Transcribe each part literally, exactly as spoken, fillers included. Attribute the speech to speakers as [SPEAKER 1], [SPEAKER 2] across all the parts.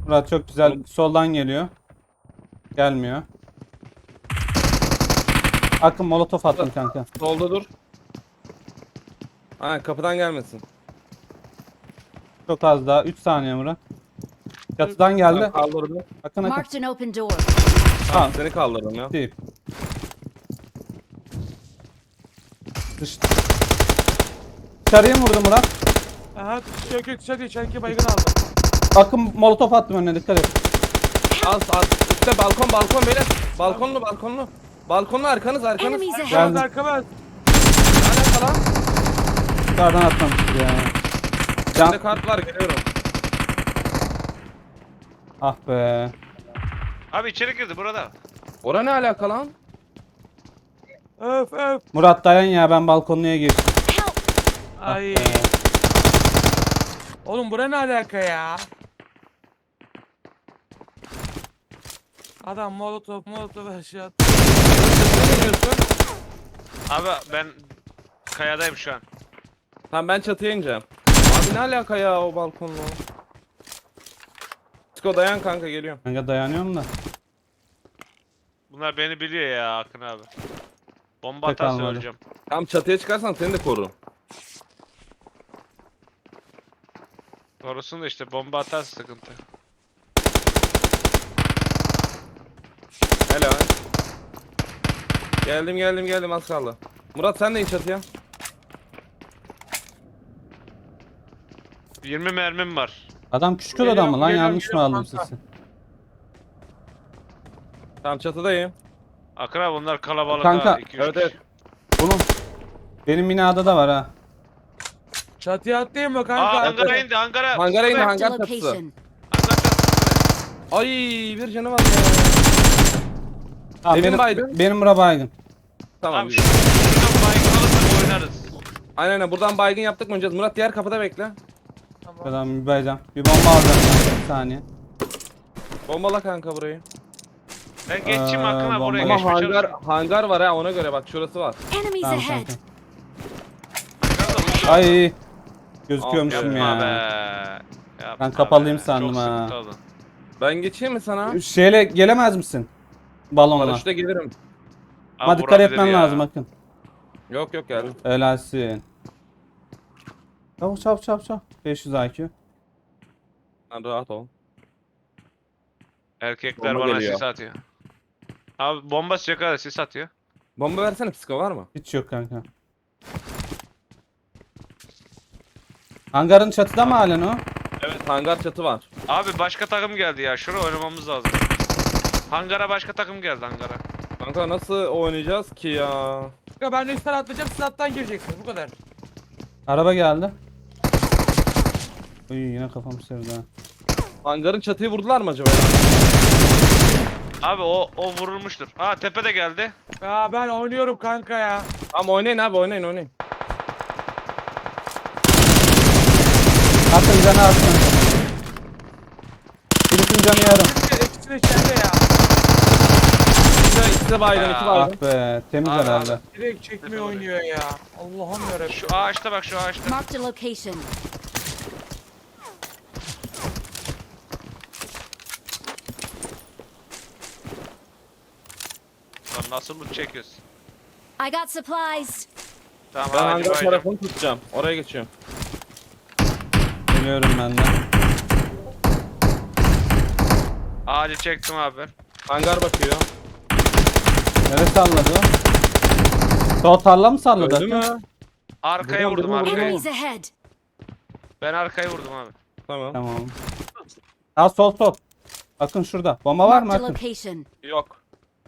[SPEAKER 1] Murat çok güzel. Soldan geliyor. Gelmiyor. Akın molotof attım kanka.
[SPEAKER 2] Solda dur. Ha, kapıdan gelmesin.
[SPEAKER 1] Çok az daha. üç saniye Murat. Çatıdan geldi.
[SPEAKER 2] Tamam, kaldırdım.
[SPEAKER 1] Akın akın.
[SPEAKER 3] Marked an open door.
[SPEAKER 2] Tamam, seni kaldırdım ya.
[SPEAKER 1] Değil. Dış... Dışarıya mı vurdu Murat?
[SPEAKER 4] Aha yok yok dışarı içeriki baygın aldım.
[SPEAKER 1] Akın molotof attım önüne, dikkat et.
[SPEAKER 2] Az az. Üstte balkon balkon beyler. Balkonlu balkonlu. Balkonlu arkanız arkanız.
[SPEAKER 3] Enemies ahead.
[SPEAKER 1] Geldim.
[SPEAKER 4] Arkamız.
[SPEAKER 2] Ne alaka lan?
[SPEAKER 1] Dışarıdan atlamıştır ya.
[SPEAKER 2] Bende
[SPEAKER 1] Can...
[SPEAKER 2] kart var, geliyorum.
[SPEAKER 1] Ah be.
[SPEAKER 5] Abi içeri girdi burada.
[SPEAKER 2] Ora ne alaka lan?
[SPEAKER 4] Öf öf.
[SPEAKER 1] Murat dayan ya, ben balkonluya geçtim.
[SPEAKER 3] Help!
[SPEAKER 4] Ay.
[SPEAKER 1] be.
[SPEAKER 4] Oğlum bura ne alaka ya? Adam molotof molotof aşağı attı.
[SPEAKER 2] Ne diyorsun?
[SPEAKER 5] Abi ben kayadayım şu an.
[SPEAKER 2] Tamam, ben çatıya ineceğim. Abi ne alaka ya o balkonlu? Sko dayan kanka, geliyorum.
[SPEAKER 1] Kanka dayanıyorum da.
[SPEAKER 5] Bunlar beni biliyor ya Akın abi. Bomba
[SPEAKER 1] Pek
[SPEAKER 5] atarsa
[SPEAKER 1] almadı.
[SPEAKER 5] öleceğim.
[SPEAKER 2] Tam çatıya çıkarsan seni de korurum.
[SPEAKER 5] Korusun da işte, bomba atarsa sıkıntı.
[SPEAKER 2] Helal. Geldim geldim geldim, az kaldı. Murat sen de in çatıya.
[SPEAKER 5] yirmi mermim var.
[SPEAKER 1] Adam küçük
[SPEAKER 4] Geliyorum,
[SPEAKER 1] adam mı lan?
[SPEAKER 4] geliyorum,
[SPEAKER 1] Yanlış mı
[SPEAKER 4] geliyorum
[SPEAKER 1] aldım
[SPEAKER 4] kanka.
[SPEAKER 1] sesi?
[SPEAKER 2] Tamam, çatıdayım.
[SPEAKER 5] Akın abi bunlar kalabalık
[SPEAKER 1] Kanka,
[SPEAKER 5] ha. iki üç
[SPEAKER 2] Evet evet.
[SPEAKER 1] Bunun benim binada da var ha.
[SPEAKER 4] Çatıya atlayayım mı
[SPEAKER 5] Aa
[SPEAKER 4] kanka?
[SPEAKER 5] hangara indi hangara.
[SPEAKER 2] Hangara indi,
[SPEAKER 3] Marked a
[SPEAKER 2] hangar çatısı.
[SPEAKER 3] location.
[SPEAKER 5] Hangar çatısı.
[SPEAKER 2] Ay, bir canı var ya.
[SPEAKER 1] Tamam,
[SPEAKER 2] Evin
[SPEAKER 1] benim,
[SPEAKER 2] baygın.
[SPEAKER 1] benim bura baygın.
[SPEAKER 2] Tamam.
[SPEAKER 5] Tamam şu şuradan baygın alırsak oynarız.
[SPEAKER 2] Aynen aynen, buradan baygın yaptık mı oynayacağız? Murat diğer kapıda bekle.
[SPEAKER 4] Tamam.
[SPEAKER 1] Şuradan bir bayacağım. Bir bomba alacağım kanka, bir saniye.
[SPEAKER 2] Bombala kanka burayı.
[SPEAKER 5] Ben geçeyim
[SPEAKER 1] Aa,
[SPEAKER 5] Akın abi oraya
[SPEAKER 1] bomba.
[SPEAKER 2] Ama
[SPEAKER 5] geçmeye
[SPEAKER 2] hangar
[SPEAKER 5] çalışıyorum.
[SPEAKER 2] hangar var ha, ona göre bak, şurası var.
[SPEAKER 3] Enemies
[SPEAKER 1] Tamam
[SPEAKER 3] ahead.
[SPEAKER 1] kanka.
[SPEAKER 5] Hangar da uçuyor.
[SPEAKER 1] Ay. Gözüküyormuşum
[SPEAKER 5] Yapma be.
[SPEAKER 1] ya.
[SPEAKER 5] Yapma
[SPEAKER 1] Ben kapalıyım
[SPEAKER 5] be.
[SPEAKER 1] sandım
[SPEAKER 5] Çok
[SPEAKER 1] ha.
[SPEAKER 5] sıkıntı oldu.
[SPEAKER 2] Ben geçeyim mi sana?
[SPEAKER 1] Şeyle gelemez misin? Balonla.
[SPEAKER 2] Paraşütle gelirim.
[SPEAKER 1] Ama
[SPEAKER 5] Abi
[SPEAKER 1] dikkat
[SPEAKER 5] vurabilir
[SPEAKER 1] etmen
[SPEAKER 5] ya.
[SPEAKER 1] lazım Akın.
[SPEAKER 2] Yok yok, geldim.
[SPEAKER 1] Helalsin. Çabuk çabuk çabuk çabuk. beş yüz I Q.
[SPEAKER 2] Sen rahat ol.
[SPEAKER 5] Erkekler
[SPEAKER 2] Bomba
[SPEAKER 5] bana
[SPEAKER 2] geliyor.
[SPEAKER 5] sis atıyor. Abi bomba sıcak kadar sis atıyor.
[SPEAKER 2] Bomba versene, psiko var mı?
[SPEAKER 1] Hiç yok kanka. Hangarın çatıda mı halen o?
[SPEAKER 2] Evet, hangar çatı var.
[SPEAKER 5] Abi başka takım geldi ya. Şuraya oynamamız lazım. Hangara başka takım geldi hangara.
[SPEAKER 2] Kanka nasıl oynayacağız ki ya?
[SPEAKER 4] Kanka ben de üstten atlayacağım, siz alttan gireceksiniz bu kadar.
[SPEAKER 1] Araba geldi. Uy, yine kafam sevdi ha.
[SPEAKER 2] Hangarın çatıyı vurdular mı acaba?
[SPEAKER 5] Abi o o vurulmuştur. Aa tepe de geldi.
[SPEAKER 4] Ya ben oynuyorum kanka ya.
[SPEAKER 2] Tamam, oynayın abi, oynayın oynayın.
[SPEAKER 1] Atın canı atın. Birisinin canı yarım.
[SPEAKER 4] İkisi de içeride ya.
[SPEAKER 2] İkisi, ikisi de baygın, iki
[SPEAKER 5] Ya.
[SPEAKER 2] baygın.
[SPEAKER 1] Ah be, temiz
[SPEAKER 5] Abi,
[SPEAKER 1] herhalde.
[SPEAKER 5] abi.
[SPEAKER 4] Direkt çekmeyi oynuyor ya. Allah'ım yarabbim.
[SPEAKER 5] Şu ağaçta bak, şu ağaçta.
[SPEAKER 3] Marked a location.
[SPEAKER 5] Lan nasıl loot çekiyoruz?
[SPEAKER 3] I got supplies.
[SPEAKER 5] Tamam
[SPEAKER 2] Ben
[SPEAKER 5] hadi
[SPEAKER 2] hangar
[SPEAKER 5] baydım.
[SPEAKER 2] tarafını tutacağım. Oraya geçiyorum.
[SPEAKER 1] Geliyorum ben de.
[SPEAKER 5] Ağacı çektim abi ben.
[SPEAKER 2] Hangar bakıyor.
[SPEAKER 1] Nereye salladı o? Sol tarla mı salladı?
[SPEAKER 2] Öldü
[SPEAKER 1] Akın?
[SPEAKER 2] mü?
[SPEAKER 5] Arkaya
[SPEAKER 2] Vurdum,
[SPEAKER 5] vurdum
[SPEAKER 2] vurdum,
[SPEAKER 5] arkaya.
[SPEAKER 3] Enemies ahead.
[SPEAKER 5] Ben arkaya vurdum abi.
[SPEAKER 2] Tamam.
[SPEAKER 1] Tamam. Ha, sol sol. Akın şurada. Bomba var mı
[SPEAKER 3] Marked a
[SPEAKER 1] Akın?
[SPEAKER 3] location.
[SPEAKER 2] Yok.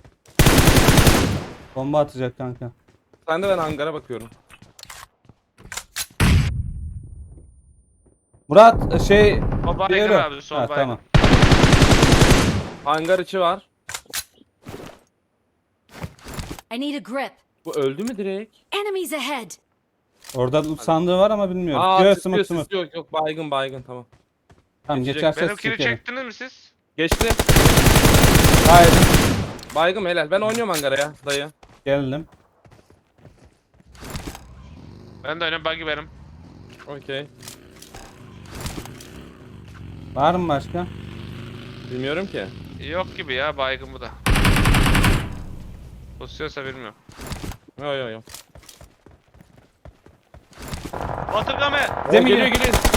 [SPEAKER 1] Bomba atacak kanka.
[SPEAKER 2] Sen de, ben hangara bakıyorum.
[SPEAKER 1] Murat şey...
[SPEAKER 5] O baygın
[SPEAKER 1] diğeri.
[SPEAKER 5] abi, sol
[SPEAKER 1] Ha,
[SPEAKER 5] baygın.
[SPEAKER 1] tamam.
[SPEAKER 2] Hangar içi var.
[SPEAKER 3] I need a grip.
[SPEAKER 2] Bu öldü mü direkt?
[SPEAKER 3] Enemies ahead.
[SPEAKER 1] Orada loot sandığı var ama bilmiyorum.
[SPEAKER 2] Aa,
[SPEAKER 1] Yok,
[SPEAKER 2] sıkıyor,
[SPEAKER 1] sımık sımık.
[SPEAKER 2] sıkıyor. Yok yok, baygın baygın, tamam.
[SPEAKER 1] Tamam,
[SPEAKER 2] Geçecek.
[SPEAKER 1] geçerse
[SPEAKER 5] Benimkini
[SPEAKER 1] sikerim.
[SPEAKER 5] çektiniz mi siz?
[SPEAKER 2] Geçti.
[SPEAKER 1] Haydi.
[SPEAKER 2] Baygın helal. Ben oynuyorum hangara ya dayı.
[SPEAKER 1] Geldim.
[SPEAKER 5] Ben de oynuyorum, buggy benim.
[SPEAKER 2] Okey.
[SPEAKER 1] Var mı başka?
[SPEAKER 2] Bilmiyorum ki.
[SPEAKER 5] Yok gibi ya, baygın bu da. Pusuyorsa bilmiyorum.
[SPEAKER 2] Yo yo yo.
[SPEAKER 5] Batırga mı?
[SPEAKER 2] Oo,
[SPEAKER 1] Zemin
[SPEAKER 2] geliyor
[SPEAKER 1] geliyor.
[SPEAKER 2] geliyor.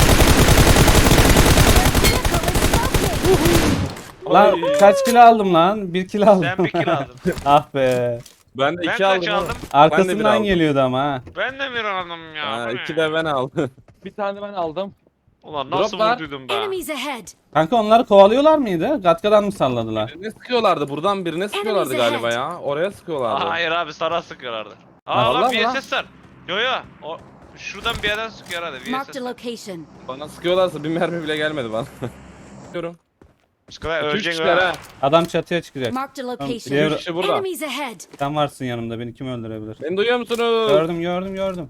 [SPEAKER 1] Lan
[SPEAKER 2] Ay.
[SPEAKER 1] kaç kilo aldım lan? Bir kilo aldım.
[SPEAKER 5] Sen bir kill aldın.
[SPEAKER 1] Ah be.
[SPEAKER 2] Ben de
[SPEAKER 5] Ben
[SPEAKER 2] iki
[SPEAKER 5] kaç
[SPEAKER 2] aldım.
[SPEAKER 5] aldım?
[SPEAKER 2] Ben de bir
[SPEAKER 1] Arkasından
[SPEAKER 2] aldım.
[SPEAKER 1] geliyordu ama ha.
[SPEAKER 5] Ben de bir aldım ya.
[SPEAKER 2] Ha,
[SPEAKER 5] bu ne?
[SPEAKER 2] iki de ben aldım.
[SPEAKER 4] Bir tane ben aldım.
[SPEAKER 5] Ulan nasıl
[SPEAKER 2] Drop var.
[SPEAKER 5] vurduydum be?
[SPEAKER 3] Enemies ahead.
[SPEAKER 1] Kanka onları kovalıyorlar mıydı? Gatkadan mı salladılar?
[SPEAKER 2] Birine sıkıyorlardı. Buradan birine sıkıyorlardı
[SPEAKER 3] Enemies
[SPEAKER 2] galiba ya. Oraya sıkıyorlardı.
[SPEAKER 5] Hayır abi, sana sıkıyorlardı.
[SPEAKER 2] Ha,
[SPEAKER 5] Aa lan
[SPEAKER 2] vallahi mi lan?
[SPEAKER 5] V S S var. Yo yo. O, şuradan bir yerden sıkıyor herhalde
[SPEAKER 3] Marked
[SPEAKER 5] V S
[SPEAKER 3] a
[SPEAKER 5] S.
[SPEAKER 3] location.
[SPEAKER 2] Bana sıkıyorlarsa bir mermi bile gelmedi bana. Sıkıyorum.
[SPEAKER 5] Sıkıyor,
[SPEAKER 2] İki üç
[SPEAKER 5] öleceksin
[SPEAKER 2] kişiler
[SPEAKER 5] ha.
[SPEAKER 2] ha.
[SPEAKER 1] Adam çatıya çıkacak.
[SPEAKER 3] Marked a
[SPEAKER 1] Diğer-
[SPEAKER 3] location.
[SPEAKER 2] Üç kişi burada.
[SPEAKER 3] Enemies ahead.
[SPEAKER 1] Sen varsın yanımda, beni kim öldürebilir?
[SPEAKER 2] Beni duyuyor musunuz?
[SPEAKER 1] Gördüm gördüm gördüm.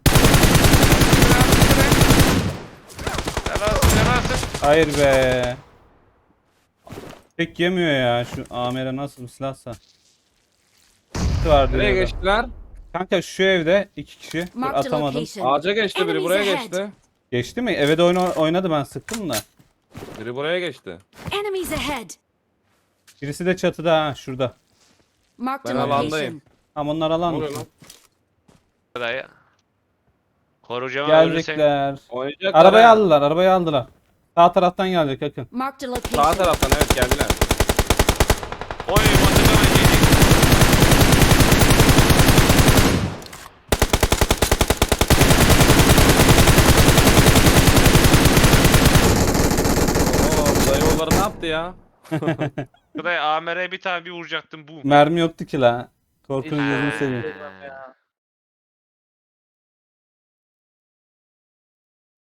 [SPEAKER 5] Helalsin helalsin.
[SPEAKER 1] Hayır be. Tek yemiyor ya şu Amer'e, nasıl bir silahsa. Var
[SPEAKER 2] Nereye
[SPEAKER 1] diyor da.
[SPEAKER 2] geçtiler?
[SPEAKER 1] Kanka şu evde iki kişi. Dur,
[SPEAKER 3] Marked a
[SPEAKER 1] atamadım.
[SPEAKER 3] location.
[SPEAKER 2] Ağaca geçti biri,
[SPEAKER 3] Enemies
[SPEAKER 2] buraya
[SPEAKER 3] ahead.
[SPEAKER 2] geçti.
[SPEAKER 1] Geçti mi? Eve de oyna- oynadı, ben sıktım da.
[SPEAKER 2] Biri buraya geçti.
[SPEAKER 3] Enemies ahead.
[SPEAKER 1] Birisi de çatıda ha, şurada.
[SPEAKER 3] Marked
[SPEAKER 2] Ben
[SPEAKER 3] a
[SPEAKER 2] alandayım.
[SPEAKER 3] location.
[SPEAKER 1] Ama onlar
[SPEAKER 2] Ne
[SPEAKER 1] alan.
[SPEAKER 2] oluyor lan?
[SPEAKER 5] Dayı. Koruyacağım ölürsen.
[SPEAKER 1] Gelecekler.
[SPEAKER 2] Oynayacaklar
[SPEAKER 1] Arabayı
[SPEAKER 2] ha.
[SPEAKER 1] aldılar, arabayı aldılar. Sağ taraftan gelecek Akın.
[SPEAKER 3] Marked a
[SPEAKER 2] Sağ
[SPEAKER 3] location.
[SPEAKER 2] taraftan evet geldiler.
[SPEAKER 5] Oy batırga mı diyecek.
[SPEAKER 2] Oo dayı oğulları ne yaptı ya?
[SPEAKER 5] Dayı A M R'ye bir tane bir vuracaktım bu.
[SPEAKER 1] Mermi yoktu ki la. Korkunun
[SPEAKER 4] Hiç-
[SPEAKER 1] gözünü seveyim.
[SPEAKER 4] Ya.